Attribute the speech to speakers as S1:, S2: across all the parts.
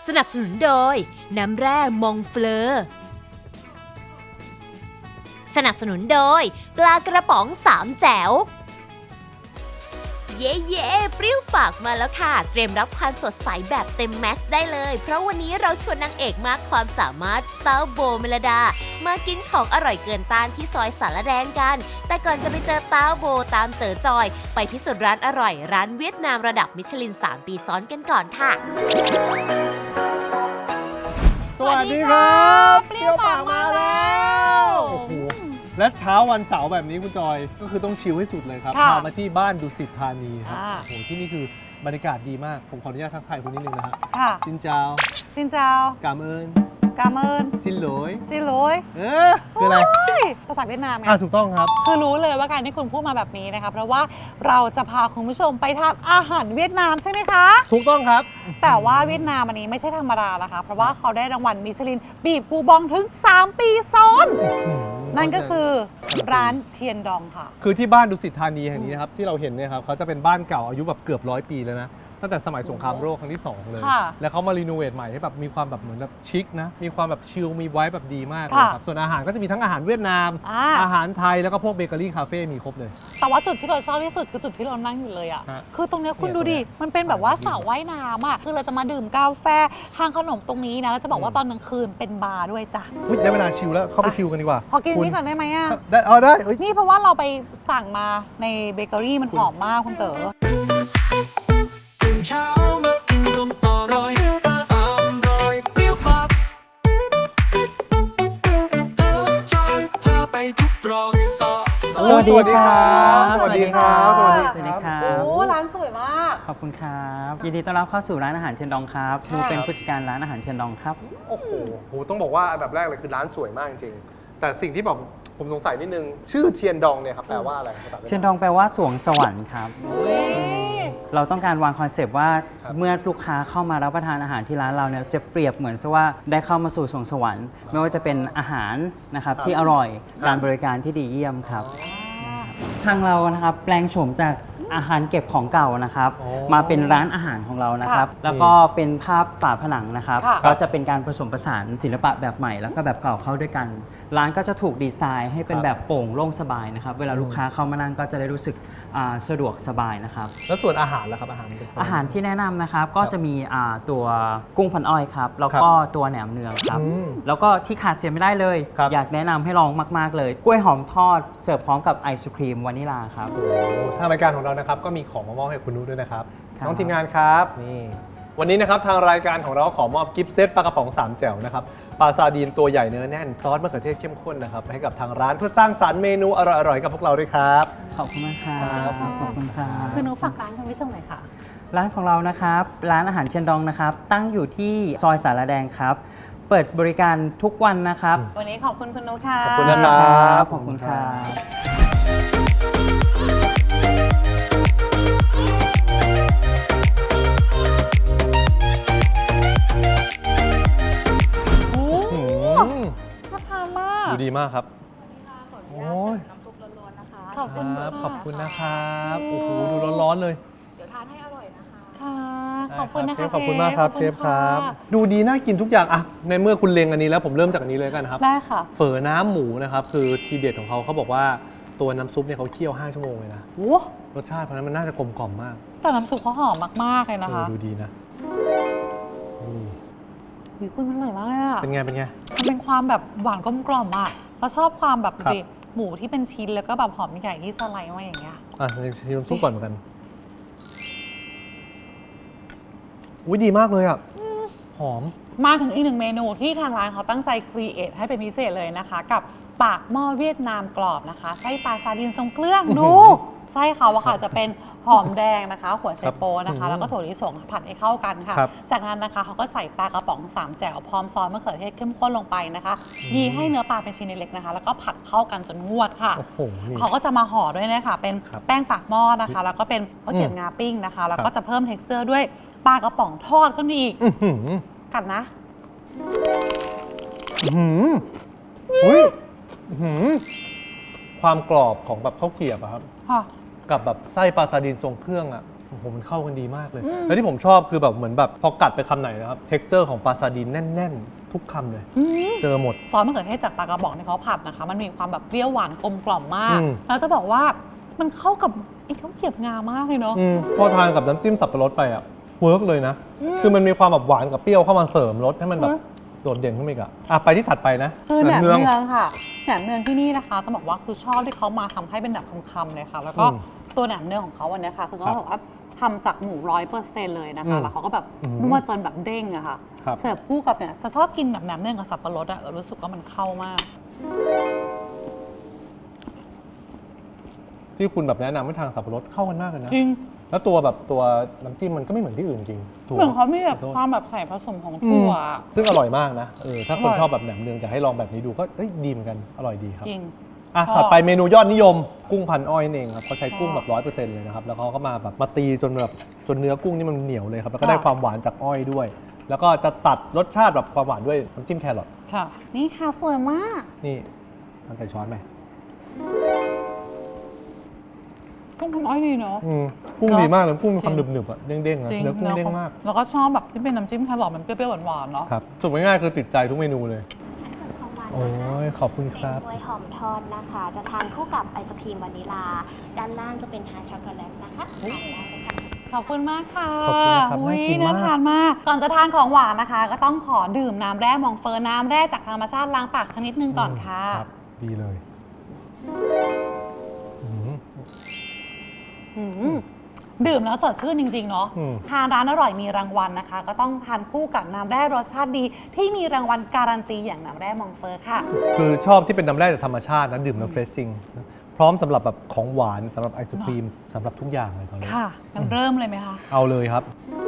S1: สนับสนุนโดยน้ำแร่มองเฟลอสนับสนุนโดยปลากระป๋องสามแจ๋วเย่เปรี้ยวปากมาแล้วค่ะเตรียมรับความสดใสแบบเต็มแม็กซ์ได้เลยเพราะวันนี้เราชวนนางเอกมากความสามารถเต้าโบเมลดามากินของอร่อยเกินต้านที่ซอยสารแดงกันแต่ก่อนจะไปเจอเต้าโบตามเต๋อจอยไปพิสูจน์ร้านอร่อยร้านเวียดนามระดับมิชลิน3 ปีซ้อนกันก่อนค่ะ
S2: สวัสดีครับเปรี้ยวปากมาแล้วโอ้โหและเช้าวันเสาร์แบบนี้คุณจอยก็คือต้องชิลให้สุดเลยครับพามาที่บ้านดุสิตธานีครับโอ้โหที่นี่คือบรรยากาศดีมากผมขออนุญาตทักทายคุณนิดนึงนะฮะซินเจ้า
S3: Xin chào
S2: กามเอิญ
S3: Cảm ơn
S2: ซินโหลย
S3: Xin lỗi
S2: คืออะไร
S3: ภาษาเวียดนามไง
S2: ถูกต้องครับ
S3: คือรู้เลยว่าการที่คุณพูดมาแบบนี้นะคะเพราะว่าเราจะพาคุณผู้ชมไปทานอาหารเวียดนามใช่ไหมคะ
S2: ถูกต้องครับ
S3: แต่ว่าเวียดนามอันนี้ไม่ใช่ธรรมดานะคะเพราะว่าเขาได้รางวัลมิชลินบีบกูบองถึง 3 ปีซ้อน นั่นก็คือร้านเทียนดองค่ะ
S2: คือที่บ้านดุสิตธานีแห่งนี้นะครับที่เราเห็นเนี่ยครับเขาจะเป็นบ้านเก่าอายุแบบเกือบ100 ปีแล้วนะตั้งแต่สมัยสงครามโลกครั้งที่ 2 เลย
S3: ค่ะ
S2: แล้วเขามารีโนเวทใหม่ให้แบบมีความแบบเหมือนแบบชิคนะมีความแบบชิลมีไว้แบบดีมากเลยครับส่วนอาหารก็จะมีทั้งอาหารเวียดนาม อาหารไทยแล้วก็พวกเบเกอรี่คาเฟ่มีครบเลย
S3: แต่ว่าจุดที่เราชอบที่สุดคือจุดที่เรานั่งอยู่เลยอ่ะ
S2: ฮะ
S3: คือตรงเนี้ยคุณ
S2: เนี่ย
S3: ดูดิ
S2: ตรงเนี้ย
S3: มันเป็นแบบว่าสระว่ายน้ำอ่ะ คือเราจะมาดื่มกาแฟทานขนมตรงนี้นะ แล้วจะบอกว่าตอนกลางคืนเป็นบาร์ด้วยจ้ะ
S2: อุ๊ยได้เวลาชิลแล้วเข้าไปชิลกันดีกว่า
S3: ขอกิน
S2: คุณ
S3: นี้ก่อนได้ไหมอ่ะ
S2: ได้เอาได้เอ้ย
S3: นี่เพราะว่าเราไปสั่งมาในเบเกอรี่มันหอมมากคุณเต๋อ
S4: ตื่นเช้ามากินนมอร่อยอร่อยเปรี้ยวปากเติมจอยพาไปทุกตรอกซอกซอย
S2: สวัสดีครับสวัสดีครับ
S5: สวัสดีครับ
S3: โอ้ร้านสวยมาก
S5: ขอบคุณครับ ยินดีต้อนรับเข้าสู่ร้านอาหารเทียนดองครับหนูเป็นผู้จัดการร้านอาหารเทียนดองครับ
S2: โอ้โหต้องบอกว่าอันดับแรกเลยคือร้านสวยมากจริงๆแต่สิ่งที่แบบผมสงสัยนิดนึงชื่อเทียนดองเนี่ยครับแปลว่าอะไรครับ
S5: เทียนดองแปลว่าสวงสวรรค์ครับ เราต้องการวางคอนเซปต์ว่า
S2: ครับ
S5: เมื่อลูกค้าเข้ามารับประทานอาหารที่ร้านเราเนี่ยจะเปรียบเหมือนซะว่าได้เข้ามาสู่สวงสวรรค์ ไม่ว่าจะเป็นอาหารนะครับที่อร่อยการบริการที่ดีเยี่ยมครับ ทางเรานะครับแปลงโฉมจากอาหารเก็บของเก่านะครับ
S2: อ๋อ
S5: มาเป็นร้านอาหารของเรานะครับ
S3: ค่ะ
S5: แล้วก็เป็นภาพฝาผนังนะครับ
S3: ค่ะ
S5: ก็จะเป็นการผสมผสานศิลปะแบบใหม่แล้วก็แบบเก่าเข้าด้วยกัน ร้านก็จะถูกดีไซน์ให้เป็นแบบโปร่งโล่งสบายนะครับ เวลาลูกค้าเข้ามานั่งก็จะได้รู้สึกสะดวกสบายนะครับ
S2: แล้วส่วนอาหารล่ะครับอาหารเป็น
S5: อาหารที่แนะนำนะครับก็จะมีตัวกุ้งพันอ้อยครับแล้วก็ตัวแหนมเนืองครับ
S2: อืม
S5: แล้วก็ที่ขาดเสียไม่ได้เลย
S2: ครับ
S5: อยากแนะนำให้ลองมาก ๆ เลย กล้วยหอมทอดเสิร์ฟพร้อมกับไอศครีมวานิลาครับ
S2: โอ้โหทางรายการของเรานะครับก็มีของมามอบให้คุณนุชด้วยนะครับ
S5: ครับ
S2: น้องทีมงานครับนี่วันนี้นะครับทางรายการของเราขอมอบกิฟต์เซตปลากระป๋อง3แจ่วนะครับปลาซาดีนตัวใหญ่เนื้อแน่นซอสมะเขือเทศเข้มข้นนะครับให้กับทางร้านเพื่อสร้างสรรค์เมนูอร่อยๆกับพวกเราด้วยครับ
S5: ขอบคุณมากครับขอบคุณครับ
S3: คือหนูฝากร้านคุณผู้ชมหน่อยค่ะ
S5: ร้านของเรานะครับร้านอาหารเชียนดองนะครับตั้งอยู่ที่ซอยสารแดงครับ เปิดบริการทุกวันนะครับ
S3: วันนี้ขอบคุณคุณนุชค่ะ
S2: ขอบคุณนะครับ
S5: ขอบคุณครับ
S3: โอ้
S2: อืม
S3: น่าทานมาก
S2: ดูดีมากครับโอ้ย
S3: ขอบคุณ
S2: ครับขอบคุณนะครับโอ้โหดูร้อนๆเลย
S3: ค่ะ ขอบคุณนะคะ
S2: เชฟขอบคุณมากครับ
S3: ข
S2: เช
S3: อ
S2: ฟ
S3: ณ
S2: ครับ
S3: ะ
S2: ดูดีน่ากินทุกอย่างอะในเมื่อคุณเล็งอันนี้แล้วผมเริ่มจากอันนี้เลยกันนะครับ
S3: ได้ค่ะ
S2: เฝอน้ำหมูนะครับคือทีเด็ดของเขาบอกว่าตัวน้ำซุปเนี่ยเขาเคี่ยว5 ชั่วโมงเลยนะ
S3: โอ้
S2: รสชาติเพราะฉะนั้นมันน่าจะกลมกล่อมมาก
S3: แต่น้ำซุปเขาหอมมากๆเลยนะคะ
S2: ดูดีนะอืม
S3: วิคุณมันอร่อยมากเลยอะ
S2: เป็นไงเป็นไง
S3: มันเป็นความแบบหวานกลมกล่อมอะเราชอบความแบบ
S2: ครับ
S3: ดิหมูที่เป็นชิ้นแล้วก็แบบหอมใหญ่ที่สไลด์มาอย่างเงี้ย
S2: อ่ะชิมน้ำซุปก่อนเหมือนกันอุ้ยดีมากเลยอ่ะหอม
S3: มาถึงอีกหนึ่งเมนูที่ทางร้านเขาตั้งใจครีเอทให้เป็นพิเศษเลยนะคะ กับปากหม้อเวียดนามกรอบนะคะไส้ปลาซาดินทรงเครื่องดูไส้เขาอะค่ะจะเป็นหอมแดงนะคะ หัวไชโปนะคะ แล้วก็ถั่วลิสงผัดให้เข้ากันค่ะ
S2: ครับ
S3: จากนั้นนะคะเขาก็ใส่ปลากระป๋อง3แจ่วพร้อมซอสมะเขือเทศเข้มข้นลงไปนะคะ ยีให้เนื้อปลาเป็นชิ้นเล็กๆนะคะ แล้วก็ผัดเข้ากันจนงวดค่ะ
S2: โอ้โหนี่
S3: เขาก็จะมาห่อด้วยนะคะเป็น
S2: ครับ
S3: แป้งปากหม้อนะคะ แล้วก็เป็นข้าวเกรี๊ยวงาปิ้งนะคะ แล้วก็จะเพิ่ม t e x t อร์ด้วยปลากระป๋องทอดขึ้นมาอีก
S2: อื้อหือ
S3: กัดนะ
S2: อื้อหืออุ้ยอื้อหือความกรอบของแบบข้าวเกรี๊ยวอะครับ
S3: ค่ะ
S2: กับแบบไส้ปลาซาดินทรงเครื่องอ่ะอื้อหืหมันเข้ากันดีมากเลย แล้วที่ผมชอบคือแบบเหมือนแบบพอกัดไปคำไหนนะครับเท็กเจอร์ของปลาซาดีนแน่นๆทุกคำเลยเจอหมด
S3: ซอสมะเขือเทศจากปลากระบอกที่เขาผัดนะคะมันมีความแบบเปรี้ยวหวานกลมกล่อมมาก
S2: อืม
S3: แล้วจะบอกว่ามันเข้ากับไอ้ข้าวเกรี๊ยวงามากเลยเนาะ
S2: พอทานกับน้ำจิ้มสับปะรดไปอ่ะเวิร์กเลยนะ คือมันมีความแบบหวานกับเปรี้ยวเข้ามาเสริมรสให้มันแบบโดดเด่นขึ้นไปอีกอ่ะไปที่ถัดไปนะ
S3: คือแหนม
S2: เนื
S3: เนื
S2: อ
S3: อง งค่ะแหนมเนืองที่นี่นะคะต้องบอกว่าคือชอบที่เขามาทำให้เป็นแบบคำๆเลยค่ะ แล้วก็
S2: อืม
S3: ตัวแหนมเนืองของเขาวันนี้ค่ะคือเขาบอกว่าทำจากหมู100%เลยนะ
S2: อื
S3: คะ
S2: ม
S3: แล้วเขาก็แบบ
S2: อืม
S3: นวดจนแบบเด้งอะค่ะ
S2: ครับ
S3: เสิร์ฟคู่กับเนี่ยจะชอบกินแบบแหนมเนืองกับสับปะรดอะรู้สึกว่ามันเข้ามาก
S2: ที่คุณแบบแนะนำให้ทางสับปะรดเข้ากันมากเลยนะ
S3: จริง
S2: แล้วตัวน้ำจิ้มมันก็ไม่เหมือนที่อื่นจริงถูก
S3: เหมือนเขามีแบบ
S2: ขอโทษ
S3: ความแบบใส่ผสมของถั่ว
S2: ซึ่งอร่อยมากนะถ้าคน
S3: อร่อย
S2: ชอบแบบแหนมเนืองจะให้ลองแบบนี้ดูก็ดีเหมือนกันอร่อยดีครับ
S3: จริง
S2: อ่ะ
S3: ชอบ
S2: ถัดไปเมนูยอดนิยมกุ้งพันอ้อยนั่นเองครับเขาใช้กุ้งแบบ100%เลยนะครับแล้วเขาก็มาแบบมาตีจนเนื้อกุ้งนี่มันเหนียวเลยครับแล้วก็ได้ความหวานจากอ้อยด้วย แล้วก็จะตัดรสชาติแบบความหวานด้วยน้ำจิ้มแครอท
S3: ค่ะ นี่ค่ะสวยมาก
S2: นี่ทานใส่ช้อนไหม
S3: กุ้งพันอ้อยดีเนาะ
S2: กุ้ง
S3: เนอะ
S2: ดีมากเลยกุ้งมีความ
S3: จริง
S2: หนึบๆอ่ะเด้งๆนะ
S3: จริง
S2: เนื้อกุ้งเด้งมาก
S3: แล้วก็ชอบแบบที่เป็นน้ำจิ้มแครอทมันเปรี้ยวๆหวานๆเนาะ
S2: ครับสุดง่ายๆคือติดใจทุกเมนูเลย
S6: ของหวาน
S2: โอ้
S6: นะคะ
S2: ยขอบคุณครับ
S6: เป็นกล้วยหอมทอดนะคะ จะทานคู่กับไอศครีมวานิลา ด้านล่างจะเป็นทานช็อกโกแลตนะคะทานได้เลยค่ะ
S3: ขอบคุณมากค่ะ
S2: ขอบคุณนะครับ
S3: อุ๊ย
S2: น่ากินมาก
S3: ทานมาก ก่อนจะทานของหวานนะคะ ก็ต้องขอดื่มน้ำแร่มองเฟอร์น้ำแร่จากธรรมชาติล้างปากสักนิดนึงก่อนค่ะ
S2: รับดีเลยอืม
S3: อืมดื่มแล้วสดชื่นจริงๆเนาะ
S2: อืม
S3: ทานร้านอร่อยมีรางวัลนะคะ ก็ต้องทานคู่กับน้ำแร่รสชาติดี ที่มีรางวัลการันตีอย่างน้ำแร่มองเฟอร์ค่ะ
S2: คือชอบที่เป็นน้ำแร่จากธรรมชาตินะดื่มแล้วเฟรชจริงนะพร้อมสำหรับแบบของหวานสำหรับไอศครีมสำหรับทุกอย่างเลยตอนนี้
S3: ค่ะงั้นเริ่มเลยไหมคะ
S2: เอาเลยครับ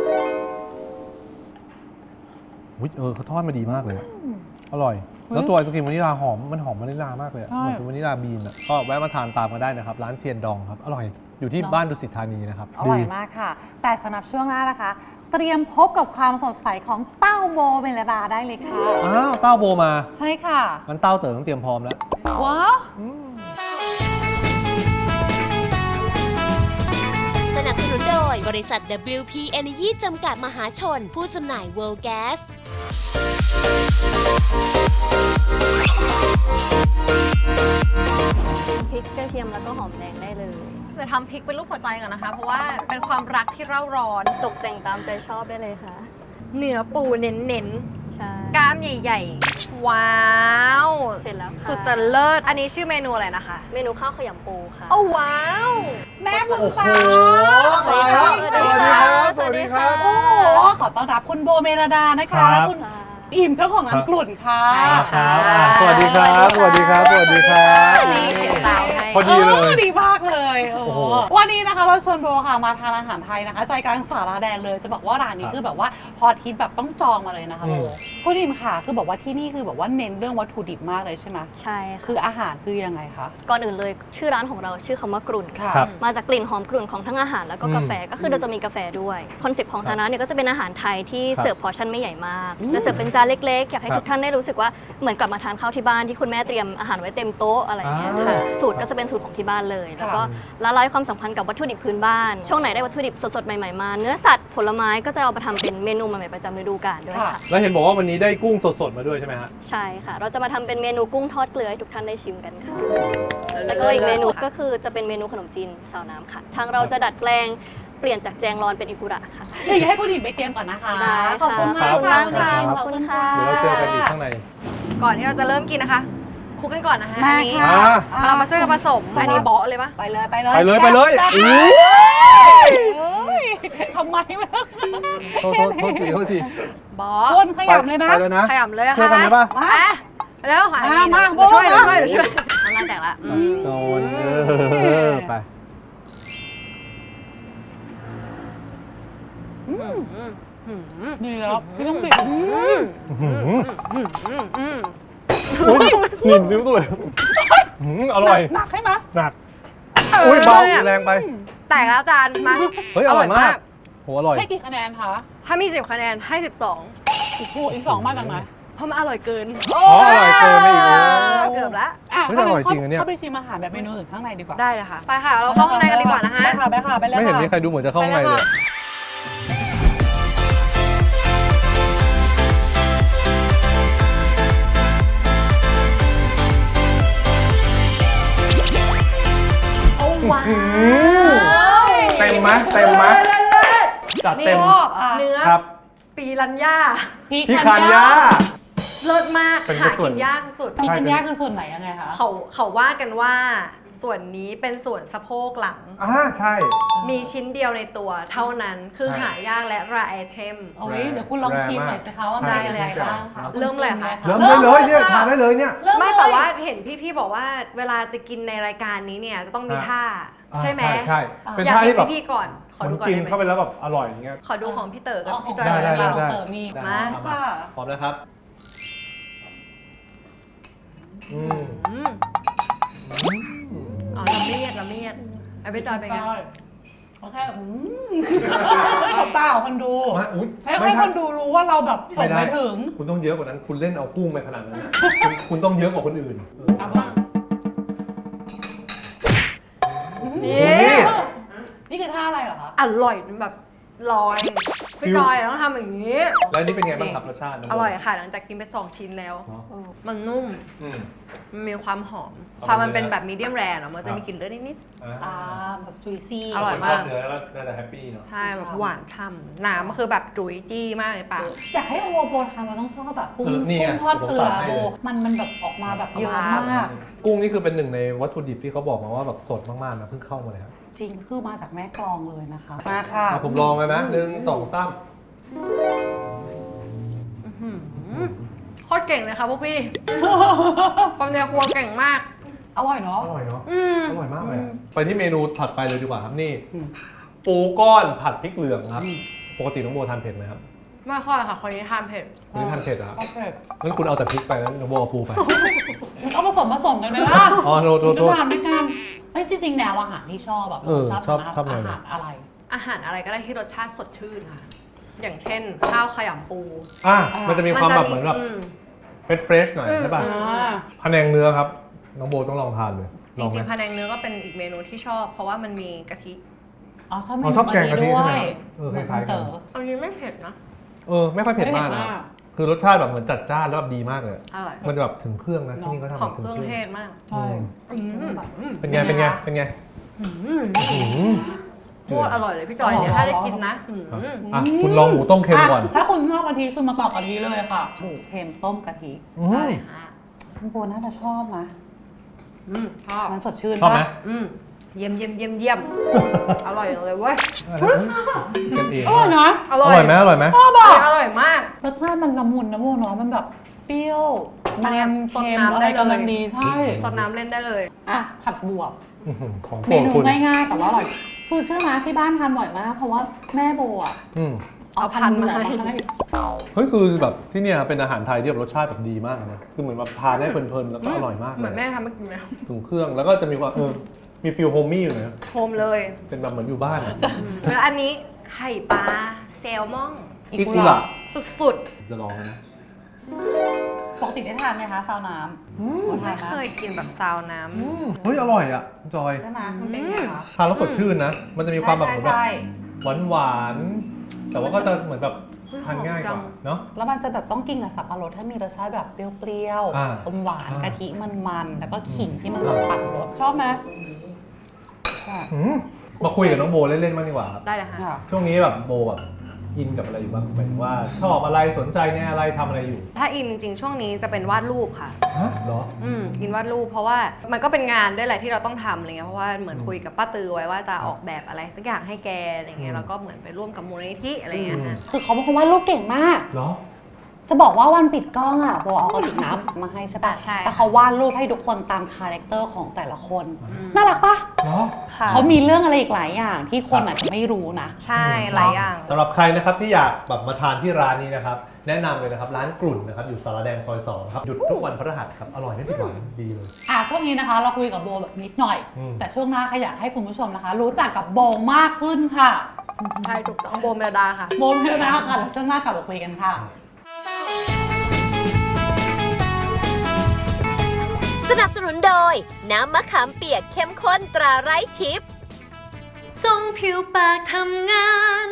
S2: อุ๊ยเขาทอดมาดีมากเลยอะอร่อย แล้วตัวไอศครีมวานิลาหอมมันหอมวานิลามากเลยอะ
S3: ใช่
S2: เหมือนเป็นวานิลาบีนอะก็แวะมาทานตามกันได้นะครับ ร้านเทียนดองครับ อร่อยอยู่ที่
S3: เนอะ
S2: บ้านดุสิตธานีนะครับ
S3: อร่อย
S2: ดี
S3: มากค่ะ แต่สำหรับช่วงหน้านะคะ เตรียมพบกับความสดใสของเต้าโบเมลดาได้เลยค่ะ
S2: อ้าวเต้าโบมา
S3: ใช่ค่ะ
S2: งั้นเต้าเต๋อต้องเตรียมพร้อมแล้ว
S3: ว้าว
S1: สนับสนุนโดยบริษัท WP Energy จำกัดมหาชน ผู้จำหน่าย World Gas
S7: พริกกระเทียมแล้วก็หอมแดงได้เลยจะทำพริกเป็นรูปหัวใจก่อนนะคะ เพราะว่าเป็นความรักที่เร่าร้อนตกแต่งตามใจชอบได้เลยค่ะ เนื้อปูเน้น
S6: ใช่
S7: ๆกล้ามใหญ่ๆ ว้าว
S6: เสร็จแล้วค่ะ
S7: สุดจะเลิศอันนี้ชื่อเมนูอะไรนะคะ
S6: เมนูข้าวขยำปูค่ะ
S7: โอ้ว้าว
S3: แม่มึง
S2: โอ้โห
S3: ฟ้า
S2: ตายแล้ว
S7: สวัสดีครับ
S2: สวัสดีครับ
S3: โอ้โหขอต้อนรับคุณโบเมลดานะ
S2: ครั
S3: คะ
S2: บ
S3: และคุณอิ่มเจ้าของร้านกลุ่นค่ะ
S7: ใช่
S2: ครับสวัสดีครับ สวัสดีครับ สวัสดีครับ
S7: นี่เขียนตาวให้
S2: พอดีเลย
S3: ดีมากเลยโอ้
S2: โอ้
S3: โห
S2: โห
S3: วันนี้นะคะเราชวนโบค่ะมาทานอาหารไทยนะคะ ใจกลางสาราแดงเลยจะบอกว่าร้านนี้
S2: ครับ
S3: คือแบบว่าพอทิตแบบต้องจองมาเลยนะคะโบ
S2: อืม
S3: คุณอิ่มค่ะ คือบอกว่าที่นี่คือแบบว่าเน้นเรื่องวัตถุดิบมากเลยใช่ไหม
S6: ใช่ค่ะ
S3: คืออาหารคือยังไงคะ
S6: ก่อนอื่นเลยชื่อร้านของเราชื่อคำว่ากรุ่นค่ะ
S2: ครับ
S6: มาจากกลิ่นหอมกรุ่นของทั้งอาหารแล้วก็กาแฟก็คือเราจะมีกาแฟด้วยคอนเซ็ปต์ของทางร้านเนี่ยก็จะเป็นอาหารไทยที่
S2: ครับ
S6: เสิร์ฟพอร์ชั่นไม่ใหญ่มากจะเสิร์ฟเป็นจานเล็กๆอยากให้
S2: ครับ
S6: ทุกท่านได้รู้สึกว่าเหมือนกลับมาทานข้าวที่บ้านที่คุณแม่เตรียมอาหารไว้เต็มโต๊ะอะไรอย่างเงี้ยค่ะสูตรก็จะเป็นสูตรของที่บ้านเลย แล้วก็ละลายความสัมพันธ์กับวัตถุดิบพื้นบ้านช่วงไหนได้วัตถุดิบสดๆใหม่ๆมาเนื้อสัตว์ผลไม้ก็จะเอามาทำเป็นเมนูใหม่ๆประจำฤดูกาลด้วยค่ะ
S2: แล้วเห็นบอกว่าวันนี้ได้กุ้งสดๆมาด้วยใช่ไหมฮะ
S6: ใช่ค่ะ เราจะมาทำเป็นเมนูกุ้งทอดเกลือให้ทุกท่านได้ชิมกันค่ะ แล้วก็อีกเมนูก็คือจะเป็นเมนูขนมจีนซาวน้ำค่ะ ทางเราจะดัดแปลงเปลี่ยนจากแจงรอนเป็นอิกุระค่ะ
S3: เดี๋ยวให้คุณอิ่มไปเตรียมก่อนนะคะ
S6: ได้
S3: ขอบคุณ
S6: ค่ะ
S3: มาก
S6: ขอบคุณมาก
S3: ขอบคุณค่ะ
S6: ค่ะ
S2: เดี๋ยวเราเจอกันอีกข้างใน
S7: ก่อนที่เราจะเริ่มกินนะคะคลุกกันก่อนนะคะ
S3: มา
S7: อันนี้
S3: ค่ะ
S7: เรามาช่วยกันผสมอันนี้เบาะเลยปะ
S3: ไปเลยไปเลย
S2: ไปเลยไปเลย
S3: แซ่บ
S2: อู้
S3: เฮ้ยทำไมไม่เลิก
S2: โทษที
S7: เบาะ
S3: คนขยับเลยนะ
S2: ไปเลยนะ
S7: ขยำเลยอะ
S2: ช่วยกันได้ปะ
S7: อ่แล้วหา
S3: มา
S7: เดี๋ยวช่วย
S3: มา
S7: เดี๋ยวช่วยน้ำลายแตกละ
S2: โซนไป
S3: ดีแล้วพี่ต้องปิด
S2: อุ้ยนิ่มนิ้วตัวเลยอร่อย
S3: หนักใช่ไหม
S2: หนักอุ้ยเบาแรงไป
S7: แตกแล้วจานมา
S2: เฮ้ยอร่อยมากโหอร่อย
S3: ให้กี่คะแนนคะ
S7: ถ้ามี10คะแนนให้12
S3: โอ้โหอีก2มาจากไหน
S7: เพราะมันอร่อยเกิน
S2: อ๋ออร่อยเกินไปอีกแล้ว
S7: เกือบละ
S3: อ่ะ
S2: เฮ้ยอร่อยจริงอันเนี่ย
S3: เข้าไปชิมอาหารแบบเมนูอื่นข้างในดีกว่า
S7: ได้เลยค่ะ ไปค่ะ เราเข้าข้างในกันดีกว่านะฮะ
S3: ไปค่ะไปค่ะไปเลย
S2: ไม่เห็น
S3: ค่ะ
S2: มีใครดูเหมือนจะเข้าข้างในเลย
S7: ว้าว
S2: เต็มไหมเต็มไหมจัดเต็ม
S3: ชอบอ่ะ
S7: เนื้อ
S2: ครับ
S7: ปีรัญญา
S2: พี่คันย่า
S7: เลิศมาก
S2: เป็น
S7: หา
S2: ส่ว
S7: กิ
S2: น
S7: นยากสุด
S3: พี่กัญญาคือส่วนไหนยังไงคะ
S7: เขาว่ากันว่า ส่วนนี้เป็นส่วนสะโพกหลัง
S2: ใช่
S7: มีชิ้นเดียวในตัวเท่านั้นคือ
S2: ใช่
S7: หายากและรายไอเทม
S3: โอ้ยเดี๋ยวคุณลองชิมหน่อยสิคะว่า
S7: ได้
S3: มีอะไร
S7: เลยค่ะ
S3: บ้างคะ
S7: เริ่มเลยค่ะ
S2: เริ่มได้เลยเนี่ยทานได้เลยเนี่ย
S3: เริ่ม
S7: ไม่
S3: เลย
S7: แต่ว่าเห็นพี่ๆบอกว่าเวลาจะกินในรายการนี้เนี่ยจะต้องมีท่า ใช่ไหม
S2: ใช่เป็น
S7: อยาก
S2: ท่า
S7: เห็
S2: ที่
S7: น
S2: แบบ
S7: พี่ๆก่อน ขอดูก่อน
S2: กิน
S7: ได้ไหม
S2: เข้าไปแล้วแบบอร่อยอย่างเงี้ย
S7: ขอดูของพี่เต๋อกับ
S3: อ๋อของ
S7: พี่จอย
S2: ได้
S3: เรา
S7: ก่อน
S3: เต๋อมี
S7: มา
S3: ค่ะ
S2: พร้อมนะครับอืม
S7: อืมอ๋อละเมียดไอ้พี่จอยเป็นไง
S3: โอเคสบตาของคนดู
S2: มาอุ๊ย
S3: ให้คนดูรู้ว่าเราแบบส่งไปถึง
S2: คุณต้องเยอะกว่านั้น คุณเล่นเอากุ้งไปขนาดนั้นนะคุณต้องเยอะกว่าคนอื่น
S3: เอาบ้าง
S7: นี่
S3: นี่คือท่าอะไรเหรอคะ
S7: อร่อยแบบลอยพี่จอยต้องทำอย่างนี้
S2: แล้วนี่เป็นไงบ้างครับรสชาติน้งโบ
S7: อร่อยค่ะหลังจากกินไป2 ชิ้นแล้ว
S2: เนอะ
S7: มันนุ่ม
S2: อืม
S7: มันมีความหอม
S2: เอา
S7: พอมันเป็น
S2: เนื้อ
S7: แบบมีเดียมแรร์เนาะมัน
S2: ครั
S7: จะ
S2: บ
S7: มีกลิ่นเลือดนิด
S3: อ่าแบบจุยซี่
S7: อร่อย
S2: คน
S7: มา
S2: ช
S7: ก
S2: อบเนื้อแล้วน่าจะแฮปปี้เนาะ
S7: ๆใช่แบบหวานฉ่ำน้ำมันคือแบบจุ๋ยจี้มากเลยปาก
S3: อยากให้โอโบทำมันต้องชอบแบบกุ้ง
S2: นี่ไง
S3: กุ้งทอดเกลือ
S2: ผมตัดให้
S3: โบ
S2: เลย
S3: มันแบบออกมาแบบเยอะมาก
S2: กุ้งนี่คือเป็นหนึ่งในวัตถุดิบที่เขาบอกมาว่าแบบสดมากๆนะเพิ่งเข้ามาเลยครับ
S3: จริงคือมาจากแม่กลองเลยนะคะมาค่ะ
S2: ผมลองแล้วนะ1 2 3
S7: โคตรเก่งเลยค่ะพวกพี่ คนในครัวเก่งมาก
S3: อร่อยเนาะ
S2: อร่อยเนาะ
S7: อืม
S2: อร่อยมากเลยอะไปที่เมนูถัดไปเลยดีกว่าครับนี่
S3: อืม
S2: ปูก้อนผัดพริกเหลืองครับ ปกติน้องโบทานเผ็ดไหมครับ
S7: ไม่ค่อยค่ะ คนนี้ทานเผ็ด
S2: คนนี้ทานเผ็ดเหรอครับ
S3: โอเค
S2: งั้นคุณเอาแต่พริกไปแล้วน้องโบเอาปูไป
S3: เอาผสมกันเลยล่ะ
S2: อ๋อโทษ
S3: จะทานด้วยกันเอ้ยจริงๆแนวอาหารที่ชอบแบบ
S2: ชอบ
S3: ทาน
S2: ชอบแนว
S3: อา
S2: ไหน
S3: หารอะไร
S7: อาหารอะไรก็ได้ที่รสชาติสดชื่นค่ะ อย่างเช่น ข้าวขยำปู
S2: มันจะมีความแบบเหมือนแบบเฟรชหน่อยใช่ป่ะ
S3: อ่า
S2: พะแนงเนื้อครับ น้องโบต้องลองทานเลย
S7: จ
S2: ลองไหม
S7: ริงๆพะแนงเนื้อก็เป็นอีกเมนูที่ชอบ เพราะว่ามันมีกะทิ
S3: อ๋อชอบเม
S2: อ๋อ
S3: นู
S2: ชอบแกงกะทิ
S3: ด้ว
S2: ใช่ไหม
S3: ย
S2: คล้ายๆกัน
S7: อันนี้ไม่เผ็ดนะ
S2: ไม่ค่อยเผ็ดมากนะ คือรสชาติแบบเหมือนจัดจ้านแล้วแบบดีมากเลย
S7: อร่อย
S2: มันจะแบบถึงเครื่องนะที่นี่เขาทำ
S7: หอม
S2: ถึง
S7: เครื่อง
S2: เครื่อง
S7: เทศมาก
S3: ใช่
S7: อืม
S2: เป็นไง เป็นไง เป็นไง
S7: โคตรอร่อยเลยพี่จอยเนี่ยถ้าได้กินนะอืม
S2: คุณลองหมูต้มเค็มก่อน
S3: ถ้าคุณชอบกะทิคือมาต่อกะทิเลยค่ะหมูเค็มต้มกะทิ
S7: ใช่ค่ะ
S3: คุณโบน่าจะชอบนะ
S7: ชอบ
S3: มันสดชื่น
S2: ชอบไหม
S3: ปะ
S7: เยี่ยม อร่อยจังเลยเว้ย
S2: กันเอง
S3: อร่อยนะ
S7: อ
S2: อ
S7: ร่อย
S2: ร่อยไหมอร่อยไหม
S3: ชอบอ่ะ
S7: อร่อยมาก
S3: รสชาติมันละมุนนะโบเนาะมันแบบเปรี้ยว
S7: อันเนี้ย
S3: มัน
S7: สด
S3: เค็ม
S7: น้ำ
S3: อะไร
S7: ได้เลย
S3: กำลังดีใช่
S7: ซดน้ำเล่นได้เลย
S3: อ่ะผัดบวบ
S2: ของโป
S3: เม
S2: รด
S3: นู
S2: คุณ
S3: ง่ายๆแต่ว่าอร่อยคือเชื่อไหมที่บ้านทานบ่อยมากเพราะว่าแม่โบอ่ะ
S7: เอาพันธุ์มาให้
S2: เฮ้ยคือแบบที่เนี่ยเป็นอาหารไทยที่แบบรสชาติแบบดีมากนะ คือเหมือนแบบทานได้เพลินๆแล้วก็อร่อยมาก
S7: เหมือน
S2: เล
S7: แม่
S2: ย
S7: ทำให้กินแล้ว
S2: ถึงเครื่องแล้วก็จะมีความมีฟิลโฮมมี่อยู่นะ
S7: โฮมเลย
S2: เป็นแบบเหมือนอยู่บ้านอะ
S7: แล้วอันนี้ไข่ปลาแซลมอน
S2: อิกุระ
S7: สุด
S2: จะลองนะ
S3: ปกติได้ทานไหมคะซาวน้ำ
S7: ๆไม่เคยกินแบบซาวน้ำ
S2: เฮ้ยอร่อยอ่ะคุณจอย
S3: ใช่ไหมมันเป็นไงคะ
S2: ทานแล้วสดชื่นนะ มันจะมีความแบบเหมือนแบบ
S3: ใช่
S2: หวานๆ แต่ว่าก็จะเหมือนแบบทานง่ายกว่าเนาะ
S3: แล้วมันจะแบบต้องกินกับสับปะรดให้มีรสชาติแบบเปรี้ยว
S2: อ่า
S3: ๆอมหวาน
S2: อ่าก
S3: ะทิมันๆแล้วก็ขิงที่มันแบบตัดรสชอบไหมใช่
S2: มาคุยกับน้องโบเล่นๆบ้างดีกว่าครับ
S7: ได้เลยค่ะ
S3: ค่ะ
S2: ช่วงนี้แบบโบแบบอินกับอะไรอยู่บ้างหมายถึงว่าชอบอะไรสนใจในอะไรทำอะไรอยู่
S7: ถ้าอินจริงๆ ช่วงนี้จะเป็นวาดรูปค่ะ
S2: ฮะเหรอ
S7: อินวาดรูปเพราะว่ามันก็เป็นงานด้วยแหละที่เราต้องทำอะไรเงี้ยเพราะว่าเหมือนคุยกับป้าตือไว้ว่าจะออกแบบอะไรสักอย่างให้แกอะไรเงี้ยแล้วก็เหมือนไปร่วมกับมูลนิธิอะไรเงี้ยค่ะ
S3: คือเขาเป็นคนวาดรูปเก่งมาก
S2: เหรอ
S3: จะบอกว่าวันปิดกล้องอ่ะโบเอากระติกน้ำมาให้ใช่ปะ
S7: ใช่
S3: แล้วเขาวาดรูปให้ทุกคนตามคาแรคเตอร์ของแต่ละคน น่ารักปะ
S2: เหรอ
S7: ค่ะ
S3: เขามีเรื่องอะไรอีกหลายอย่างที่คนอาจจะไม่รู้นะ
S7: ใช่หลายอย่าง
S2: สำหรับใครนะครับที่อยากแบบมาทานที่ร้านนี้นะครับแนะนำเลยนะครับร้านกลุ่นนะครับอยู่สารแดงซอย2ครับหยุดทุกวันพฤหัสครับอร่อยไม่ผิดหวังดีเลย
S3: ช่วงนี้นะคะเราคุยกับโบแบบนิดหน่อย แต่ช่วงหน้าขยากให้คุณผู้ชมนะคะ รู้จักกับโบมากขึ้นค่ะ
S7: ใช่ถูกต้องโบเมลดาค่ะ
S3: โบไม่ได้นะคะแล้วช่วงหน้ากลับมาคุยกันค่ะ
S1: สนับสนุนโดยน้ำมะขามเปียกเข้มข้นตราไร้ทิพย์
S7: จงผิวปากทำงาน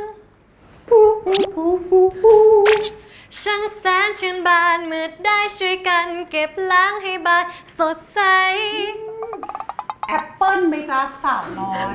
S7: ช่างแสนชื่นบานมืดได้ช่วยกันเก็บล้างให้บานสดใส
S3: แอปเปิ้ลไหมจ๊ะสาวน้อย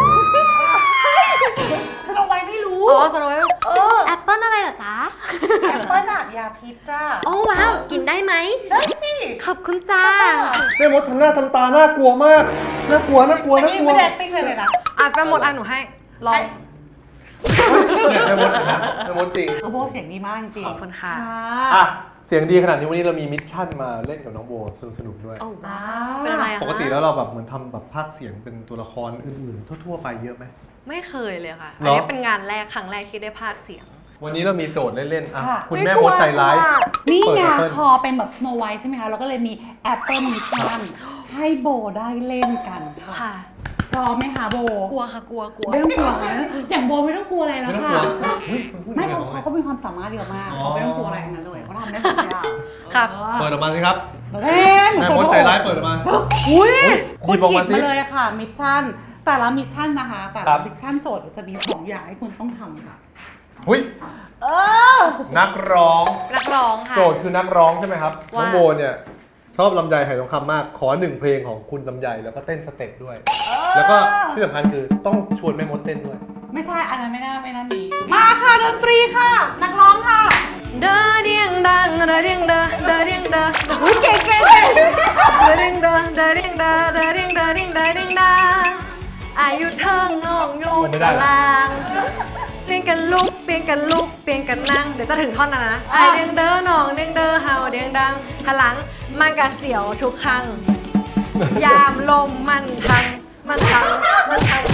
S3: ฉันเอาไว้ไม่รู้
S7: อ๋อสโนว์ไวท์แอปเปิ้ลอะไรเหรอจ๊ะ
S3: แอปเปิ้ลอะยาพิษจ้า
S7: โอ้ว้าว กินได้ไหม
S3: ได้สิ
S7: ขอบคุณจ้า
S2: แม่มดทำหน้าทำตาน่ากลัวมาก น่ากลัว น่ากลัว
S3: อัน
S2: น่า
S3: นี้
S2: กลัว
S3: ไม่ได้ acting เลยนะ
S7: อ่ะไปหมดอ่ะหนูให้ ลอง
S2: เนี่ยแม่มดนะแม่มดจริง
S3: โบเสียงดีมากจริง
S7: ขอบคุณค่ะ
S2: อ่ะ เสียงดีขนาดนี้วันนี้เรามีมิชชั่นมาเล่นกับน้องโบสนุกๆด้วย
S7: โอ้ว้าว เป็นอะไรอะ
S2: ปกติแล้วเราแบบเหมือนทำแบบภาคเสียงเป็นตัวละครอื่นๆ ทั่วๆไปเยอะไหม
S7: ไม่เคยเลยค่ะ
S2: เหรออั
S7: อันนี้เป็นงานแรกครั้งแรกที่ได้พากย์เสียง
S2: วันนี้เรามีโจทย์เล่นๆอ่ะ
S3: ค่ะ
S2: คุณแม่มดใจร้าย
S3: นี่
S2: เปิด
S3: ไง
S2: Apple
S3: พอเป็นแบบ Snow White ใช่ไหมคะ เราก็เลยมี Apple Mission ให้โบได้เล่นกันค่ะ
S7: ค่ะ
S3: พร้อมไหมคะโบ
S7: กลัวค่ะ กลัว
S3: ไม่ต้องกลัวค่ะอย่างโบไม่ต้องกลัวอะไรแล้ว
S2: ไม่ต้อง
S3: ค่ะ
S2: กลัวเฮ้ยคุณพูด
S3: ไม่
S2: ยัง
S3: เพ
S2: ไง
S3: ราะเขามีความสามารถเยอะมาก
S2: อ๋อ
S3: เขาไม่ต้องกลัวอะไรทั้งนั้นเลยเขาทำได้ทุกอย่าง
S7: ครับ
S2: เปิดออกมาสิครับ
S3: เล่น
S2: แม่มดใจร้ายเปิดออกมา
S3: อุ้ย
S2: หยิบออกมาสิ
S3: มาเลยค่ะมิชชั่นแต่ละมิชชั่นนะคะ แต่
S2: ครั
S3: ละ
S2: บ
S3: มิชชั่นโจทย์จะมี2อย่างให้คุณต้องทำค่ะ
S2: หุ้ยนักร้อง
S7: นักร้องค่ะ
S2: โจทย์คือนักร้องใช่ไหมครับ
S7: ว่า
S2: น้องโบเนี่ยชอบลำไยไหทองคำมาก ขอ1เพลงของคุณลำไยแล้วก็เต้นสเต็ปด้วย แล้วก็ที่สำคัญคือต้องชวนแม่มดเต้นด้วย
S3: ไม่ใช่อันนั้นไม่น่ามีมาค่ะดนตรีค่ะ นักร้องค่ะ
S7: เดอเดียงดังเดอเดียงเดอเดอเดียงเดอ
S3: อุ้ยเก่ง
S7: เดอเดียงเดอเดอเดียงเดอเดอเดียงเดอเดียงเดอเดียงดาอายุเทิงน้องอยู่
S2: ไม่ได้
S7: ตารางเปลี่ยนกันลุกเปลี่ยนกันลุกเปลี่ยนกันนั่งเดี๋ยวจะถึงท่อนนั้นนะอาเดียงเดอน้องเดียงเดอเฮาเดียงดังพลังมันกะเสียวทุกครั้งยามลมมันทังไป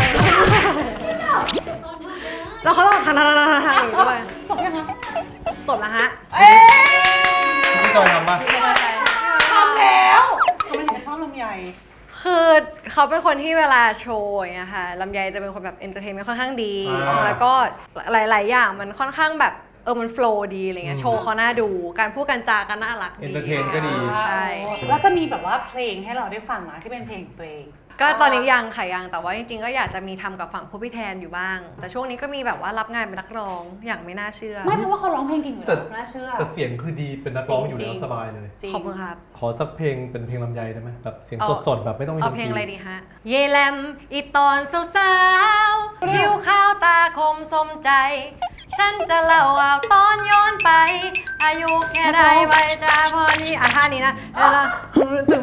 S7: แล้วเขาต้องทางอย่างนี้ด้วย
S3: ตกยังคะ
S7: ตบนะฮะ
S2: พี่จอยทำป่ะ
S3: ทำแล้วทำไมถึงชอบลำไย
S7: คือเขาเป็นคนที่เวลาโชว์อย่างเงี้ยค่ะลำไยจะเป็นคนแบบเอนเตอร์เทนเมนต์ค่อนข้างดี แล้วก็หลาย ๆ อย่างมันค่อนข้างแบบมันโฟล์ดีอะไรเงี้ยโชว์เขาน่าดูการพูดกันจาก็น่ารักดี
S2: เอนเตอร์เทนก็ดี
S7: ใช่
S3: แล้วจะมีแบบว่าเพลงให้เราได้ฟังนะที่เป็นเพลงของตัวเอง
S7: ก็ตอนนี้ยังค่ะยังแต่ว่าจริง ๆ ก็อยากจะมีทำกับฝั่งผู้พี่แทนอยู่บ้าง แต่ช่วงนี้ก็มีแบบว่ารับงานเป็นนักร้องอย่างไม่น่าเชื่อ
S3: ไม่เพราะว่าเขาร้องเพลงเก่งอยู่แล้วน่าเชื่อ
S2: แต่เสียงคือดีเป็นนักร้องอยู่แล้ว
S3: จริง
S2: สบายเลย
S3: จริง
S7: ขอบคุณครับ
S2: ขอสักเพลงเป็นเพลงลำไยได้ไหมแบบเสียงสดๆแบบไม่ต้องมี
S7: เอา
S2: ดน
S7: เพ
S2: ต
S7: ลง
S2: รี
S7: อะไรดีฮะ เยแลมอีตอนสาวๆผิวขาวตาคมสมใจ ฉันจะเล่าเอาตอนย้อนไป อายุแค่ใดใบตาพอนี้ท่านี้นะแล้วตึง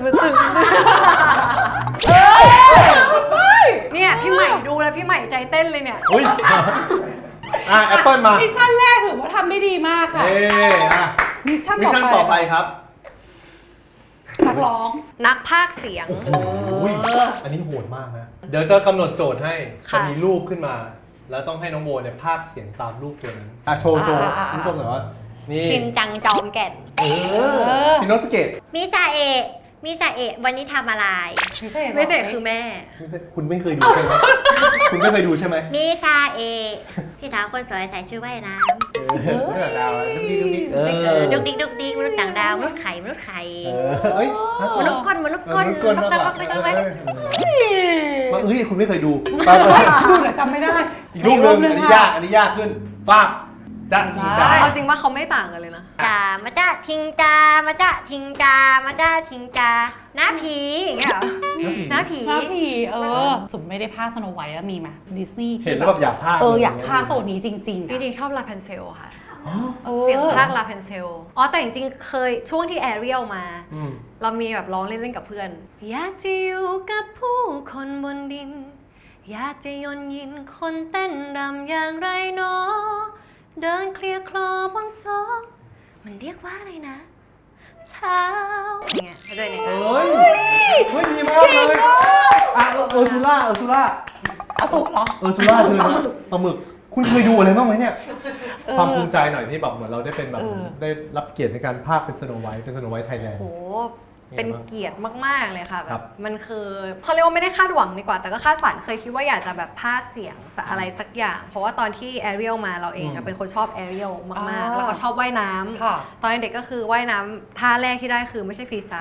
S7: เนี่ยพี่ใหม่ดูแล้วพี่ใหม่ใจเต้นเลยเนี่ย
S2: อุ้ยแอปเปิลมา
S3: มิชชั่นแรกถือว่าทำได้ดีมากค่ะ มิชชั่น
S2: มิชชั่นต่อไปครับ
S3: นักร้อง
S7: นักพากย์เสียง
S2: อุ้ยอันนี้โหดมากนะ เดี๋ยวจะกำหนดโจทย์ให้
S7: ค่ะ
S2: จะมีรูปขึ้นมา แล้วต้องให้น้องโบเนี่ยพากย์เสียงตามรูปตัวนั้นโชว์คุณผู้ชมหน่อยว่านี่
S7: ชินจังจอมแก่น
S2: ชินโนสเกะ
S8: มิซาเอะวันนี้ทำอะไร
S7: ไม่เสร็จคือแม่
S2: คุณไม่เคยดูใช่ไหมคุณไม่เคยดูใช่ไหม
S8: มิซาเอะพี่สาวคนสวยใส่ชุดว่ายน้
S2: ดาวดุ๊กดิ๊กดุ๊กดิ๊ก
S8: ำดุกดิกดุกดิกมนุษย์ต่างดาวมนุษย์ไข่มนุษย์ไข่
S2: เอ้ย
S8: มนุษย์ก้นมนุษย์ก้น
S2: ก้น
S8: มนุษย์ก้น
S2: มาเฮ้ยคุณไม่เคยดู
S3: ดูแต่จำไม่ได้
S2: อีกรูปหนึ่งอันนี้ยาก อันนี้ยากขึ้นฟาบจ้าทีจ้า
S7: เอาจริงว่าเขาไม่ต่างกันเลยนะ
S8: จ่ามาจ้าทิงจามาจ้าทิงจามาจ้าทิงจาหน้าผีอย่างเงี้ยเหรอหน้าผี
S3: พาผีจุ๋มไม่ได้พากสโนไวท์มีไหมดิสนีย์
S2: เห็นแล้วแบบอยากพาก
S3: อยากพากตัวนี้จริง
S7: จริงๆชอบลาเพนเซลค่ะ
S3: ๆ
S7: เสียงภาคลาเพนเซลแต่จริงๆเคยช่วงที่แอเรียลมา เรามีแบบร้องเล่นๆกับเพื่อน อยากจะอยู่กับผู้คนบนดิน อยากจะยนยินคนเต้นรำอย่างไรเนาะเดินเคลียร์คลอบนซอกมันเรียกว่าอะไรนะ เท้าอย่างเงี้ยเขาเดินอย่างเงี้ย
S2: เฮ้ยดีมากเลยเออร์ซูล่า
S3: อสูรเหรอ
S2: เออร์ซูล่าเชิญนะปลาหมึก คุณเคยดูอะไรบ้างไหมเนี่ย ความภูมิใจหน่อยที่แบบเหมือนเราได้เป็นแบบได้รับเกียรติในการพากย์เป็นสโนไวท์ไทยแลนด์
S7: โห เป็นเกียรติมากๆเลยค่ะ
S2: ค
S7: แบ
S2: รั
S7: บบ มันคือเขาเรียกว่าไม่ได้คาดหวังดีกว่า แต่ก็คาดฝันเคยคิดว่าอยากจะแบบพากย์เสียงอะไรสักอย่าง เพราะว่าตอนที่แอเรียลมาเราเองเป็นคนชอบแอเรียลมากๆ แล้วก็ชอบว่ายน้ำตอนเด็กก็คือว่ายน้ำท่าแรกที่ได้คือไม่ใช่ฟรีสไตล์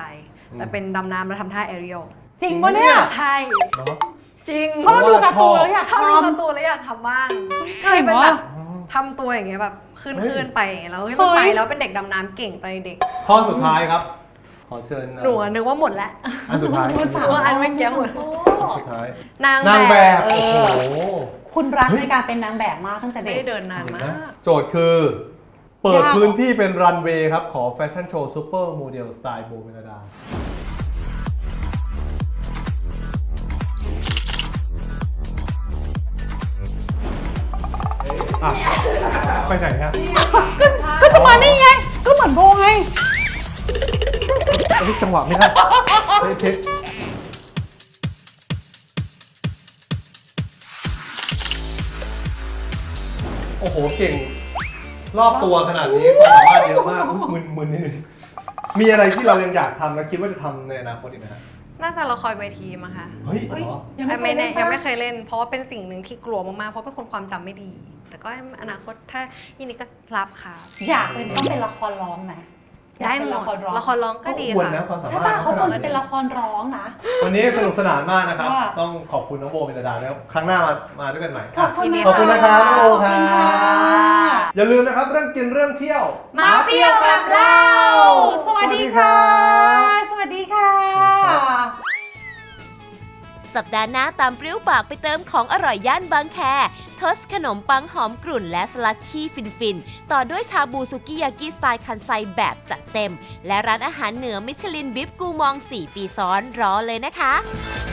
S7: แต่เป็นดำน้ำแล้วทำท่าแอเรียล
S3: จริงปะเนี่ย
S7: ใช่
S2: เนาะ
S7: จริง
S3: เพราะเราดูการ์ตูนแล้วอยาก
S7: ถ้า
S3: ท
S7: ดูการ์ตูนแล้วอยากทำบ้าง
S3: ใช่
S7: เป็น
S3: เหรอ
S7: แบบทำตัวอย่างเงี้ยแบบขึ้นไปอย่างเงี้ยแล้วเฮ้ยมันไปแล้วเป็นเด็กดำน้ำเก่งตอนเด็ก
S2: ข้อสุดท้ายครับ ขอเชิญ
S7: หนูนึกว่าหมดแล้ว
S2: อันสุดท้าย
S7: ว่าอันเมื่อกี้หมด
S2: สุดท้าย
S7: นาง
S2: นาง
S7: แบ
S2: แบบ บ
S7: เอ
S2: โอ้
S7: อ
S2: โห
S3: คุณรักในการเป็นนางแบบมากตั้งแต่
S7: ไม่
S3: เด็ก
S7: ได้เดินนาน
S2: เห็น
S7: มา
S2: ไหม
S7: ก
S2: โจทย์คือ เปิด
S3: ยากเหรอ
S2: พื้นที่เป็นรันเวย์ครับ ขอแฟชั่นโชว์ซูเปอร์โมเดลสไตล์โบเมลดาอ่ะไปไหนฮะ
S3: ก็จะมานี่ไง ก็เหมือนโบไง
S2: เฮ้ยจังหวะไม่ได้เทคโอ้โห เก่ง รอบตัวขนาดนี้ความสามารถเยอะมากมึนนิดนึงมีอะไรที่เรายังอยากทำและคิดว่าจะทำในอนาคตอีกไหมฮะ
S7: น่าจะละครเวทีมั้งคะ
S2: เฮ้ยเหรอ
S7: แต่ไม่แน่ยังไม่เคยเล่น เพราะว่าเป็นสิ่งหนึ่งที่กลัวมากๆ เพราะเป็นคนความจำไม่ดี แต่ก็อนาคตถ้ายินดีก็รับค่ะ
S3: อยากเป็นต้องเป็นละครร้องไหมอยาก
S7: ได้
S3: เป็น
S7: หม
S3: ละ
S7: ด
S3: ครร้อง
S7: ละครร้องก็ดี
S2: ควร
S7: ค่ะ
S2: นะความสา
S3: ใช่
S2: มารถ
S3: ป่ะเขาควรจะเป็นละครร้องนะ
S2: วันนี้สนุกสนานมากนะครับ
S3: ค่ะ
S2: ต้องขอบคุณน้องโบเมลดานะครับครั้งหน้ามาด้วยกันใหม่
S3: ขอบคุณ
S2: ขอบคุณนะครับน้องโบค
S3: ข
S2: รั
S3: อบคุณค่ะ
S2: บอย่าลืมนะครับเรื่องกินเรื่องเที่ยว
S7: มาเปรี้ยวกับเรา
S3: สวัสดีค่ะ สวัสดีค่ะ
S1: สัปดาห์หน้าตามเปรี้ยวปากไปเติมของอร่อยย่านบางแคทอสขนมปังหอมกรุ่นและสลัดชี่ฟินๆ ต่อด้วยชาบูซุกิยากิสไตล์คันไซแบบจัดเต็ม และร้านอาหารเหนือมิชลินบิฟกูมอง 4 ปีซ้อนรอเลยนะคะ